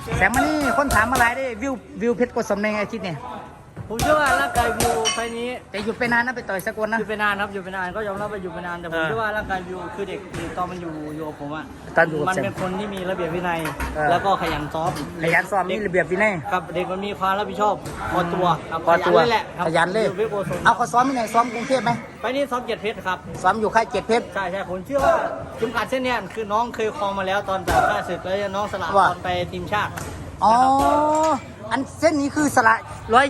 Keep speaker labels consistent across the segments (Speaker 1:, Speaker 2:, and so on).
Speaker 1: แสงมานี่คนถามมาหลายได้วิวเพชรกดสมในไงอาทิตย์เนี่ย
Speaker 2: ผมเชื่อว่าร่างกายวิวไฟนี้
Speaker 1: แต่หยุดไปนานนะไปต่อยสกลนะ
Speaker 2: อยู่ไปนานครับอยู่ไปนานก็ยอมรับว่าอยู่ไปนานแต่ผมเชื่อว่าร่างกายวิวคือเด็กตอนมันอยู่กับผมอ่ะ
Speaker 1: ตอนอยู่กับ
Speaker 2: มัน
Speaker 1: เซน
Speaker 2: เป็นคนที่มีระเบียบวินัย
Speaker 1: เออ
Speaker 2: แล้วก็ขยันซ้อม
Speaker 1: ขยันซ้อมมีระเบียบวินัย
Speaker 2: ครับเด็กมันมีความรับผิดชอบพอตัวครับ
Speaker 1: พอตัว
Speaker 2: ขยันเลยแหละครับ
Speaker 1: ขยันเลย
Speaker 2: อยู่เพชรโกศล
Speaker 1: เอาเขาซ้อมที่ไหนซ้อมกรุงเทพไหม
Speaker 2: ไปนี่ซ้อมเกียรติเพชรครับ
Speaker 1: ซ้อมอยู่ค่ายเจ็ดเพชร
Speaker 2: ใช่ผมเชื่อว่าเข็มขัดเส้นเนี้ยคือน้องเคยครองมาแล้วตอนแบบค่าศึกแล้วน้องสละ
Speaker 1: ว่า
Speaker 2: ตอนไปทีมชาติ
Speaker 1: อ๋อ
Speaker 2: นะครับ
Speaker 1: อันเส้นนี้คือสละ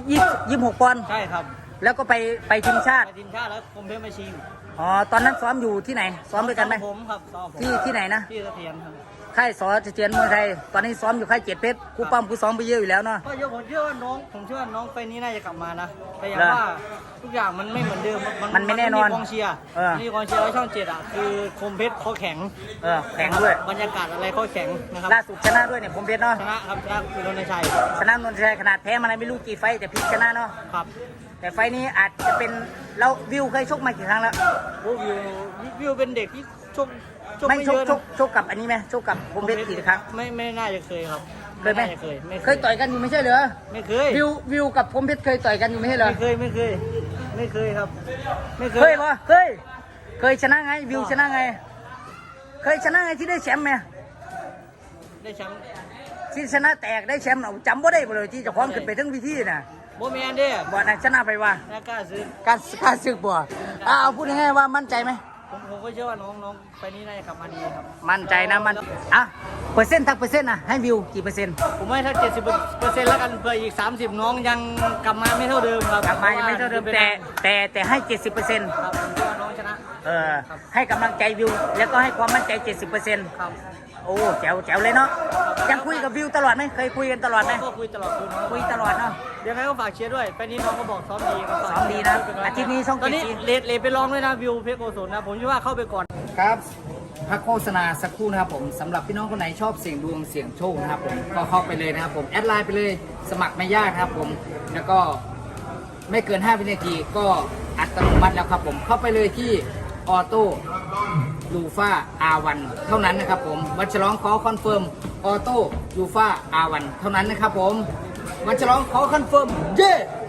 Speaker 1: 126ปอนด์
Speaker 2: ใช่ครับ
Speaker 1: แล้วก็ไปทีมชาติ
Speaker 2: ไปทีมชาติแล้วคมเพชรมาชิง
Speaker 1: อ๋อตอนนั้นซ้อมอยู่ที่ไหนซ้อมด้วยกันไหม
Speaker 2: ผมครับซ้อมผม
Speaker 1: ที่ไหนนะ
Speaker 2: ที่เสถียรครับ
Speaker 1: ค่ายสอเจียนเมืองไทยตอนนี้ซ้อมอยู่ค่ายเจ็ดเพชรครูป้อมครูซ้อมไปเยอะอยู่แล้วเนาะ
Speaker 2: ก็เยอะผมเชื่อว่าน้องไฟนี้น่าจะกลับมานะแต่อย่าง
Speaker 1: เหรอ
Speaker 2: ว่าทุกอย่างมันไม่เหมือนเดิม
Speaker 1: มันไม่แน่นอน
Speaker 2: กองเชียร์
Speaker 1: เออ
Speaker 2: มีกองเชียร์ไว้ช่องเจ็ดอ่ะคือคมเพชรเขาแข็ง
Speaker 1: แข่งด้วย
Speaker 2: บรรยากาศอะไรเขาแข็งนะครับ
Speaker 1: ล่าสุดชนะด้วยเนี่ยผมเพชรเนาะ
Speaker 2: ชนะครับชนะคือรณชัย
Speaker 1: ชนะนนทชัยขนาดแพ้มาไม่รู้กี่ไฟต์แต่พลิกชนะเนาะ
Speaker 2: ครับ
Speaker 1: แต่ไฟต์นี้อาจจะเป็นเราวิวเคยชกมากี่ครั้งแล้ว
Speaker 2: โอ้วิวเป็นเด็กที่ชก
Speaker 1: ไม่
Speaker 2: ไม่
Speaker 1: ช
Speaker 2: เย
Speaker 1: ก
Speaker 2: อะ
Speaker 1: ช
Speaker 2: นะ
Speaker 1: กชกกับอันนี้ไหมชกกับผมเพชรกี่ครั้ง
Speaker 2: ไม่น่าจะเคยครับ
Speaker 1: เคยไหม
Speaker 2: น่าจะไม่
Speaker 1: เคยต่อยกันอยู่ไม่ใช่เหรอ
Speaker 2: ไม่เคย
Speaker 1: วิวกับผมเพชรเคยต่อยกันอยู่ไม่ใช่เหรอ
Speaker 2: ไม่เคยครับไม่เค
Speaker 1: เค
Speaker 2: ย
Speaker 1: ยปะเคยชนะไงวิวชนะไง เคยชนะไงที่ได้แชมป์ไหม
Speaker 2: ได้แชมป์
Speaker 1: ที่ชนะแตกได้แชมป์เอาจำบ่ได้บ่เลยที่เจะพร้าขอมขึ้นไปทั้งวิธีน่ะ
Speaker 2: โบแมนเด้
Speaker 1: บ่นะชนะไปว่า
Speaker 2: น่ากล้าซื้อ
Speaker 1: การศึกบ่เอาพูดง่ายๆว่ามั่นใจไหม
Speaker 2: ผมก็เชื่อว่าน้องไปนี้น่าจะกลับมาดีครับ
Speaker 1: มั่นใจนะอ่ะเปอร์เซ็นต์ทักเปอร์เซ็นต์นะให้วิวกี่เปอร์เซ็นต์
Speaker 2: ผมให้ถ้า70%แล้วกันเพื่ออีก30น้องยังกลับมาไม่เท่าเดิมครับ
Speaker 1: กลับมายังไม่เท่าเดิมแต่ให้ 70%
Speaker 2: ครับผมเชื่อว่าน้องชนะ
Speaker 1: ให้กำลังใจวิวแล้วก็ให้ความมั่นใจ 70%
Speaker 2: ครับ
Speaker 1: โอ้แจ๋วเลยเนาะยังคุยกับวิวตลอดไหมเคยคุยกันตลอดไหม
Speaker 2: ก็คุยตลอดคุยน้อง
Speaker 1: คุยตลอดเนาะ
Speaker 2: ยังไงก็ฝากเชียร์ด้วยไปนี้น้องก็บอกซ้อมดีครับ
Speaker 1: ซ้อมดีนะอาทิตย์นี้ช่อง
Speaker 2: ตอนนี้
Speaker 1: 7 สี
Speaker 2: เลทไปลองด้วยนะวิวเพชรโกศลนะผมคิดว่าเข้าไปก่อน
Speaker 1: ครับพักโฆษณาสักครู่นะครับผมสำหรับพี่น้องคนไหนชอบเสี่ยงดวงเสี่ยงโชคนะครับผมก็เข้าไปเลยนะครับผมแอดไลน์ไปเลยสมัครไม่ยากครับผมแล้วก็ไม่เกิน5วินาทีก็อัตโนมัติแล้วครับผมเข้าไปเลยที่ออโต้ลูฟ่าR1เท่านั้นนะครับผมวันฉลองขอคอนเฟิร์มออโต้ลูฟ่าR1เท่านั้นนะครับผมวันฉลองขอคอนเฟิร์มเย้